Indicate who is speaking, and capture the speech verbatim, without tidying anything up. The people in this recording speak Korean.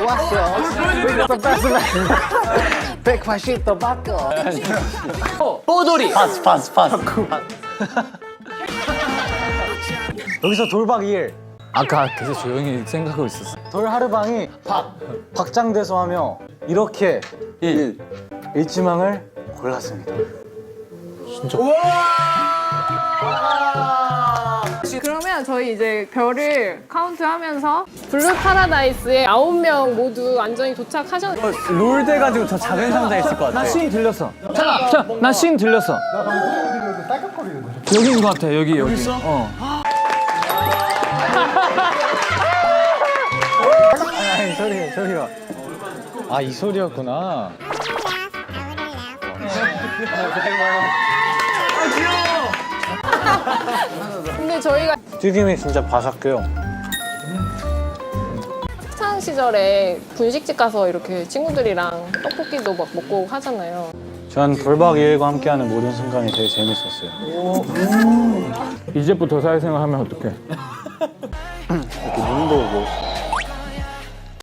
Speaker 1: 왔어. 또 뺐으면 백팔십 도 바꿔. 뽀돌이.
Speaker 2: 파스 파스 파스.
Speaker 3: 여기서 돌박 일.
Speaker 1: 아까 계속 조용히 생각하고 있었어.
Speaker 3: 돌하르방이 박 박장대소 하며 이렇게 일 일지망을 골랐습니다.
Speaker 4: 그러면 저희 이제 별을 카운트하면서 블루 파라다이스에 아홉 명 모두 안전히 도착하셨는데
Speaker 2: 롤 돼가지고 저 작은 상자 있을 것 같아.
Speaker 1: 나씬 들렸어. 자, 자, 나씬 들렸어. 여기인 것 같아. 여기 여기. 있어? 어.
Speaker 3: 아니 소리 소리가. 아 이 소리였구나.
Speaker 4: 근데 저희가
Speaker 3: 튀김이 진짜 바삭해요.
Speaker 4: 학창 시절에 분식집 가서 이렇게 친구들이랑 떡볶이도 막 먹고 하잖아요.
Speaker 3: 전 돌박 일과 함께하는 모든 순간이 되게 재밌었어요.
Speaker 1: 이제부터 사회생활 하면 어떡해?
Speaker 3: 이렇게 눈 보고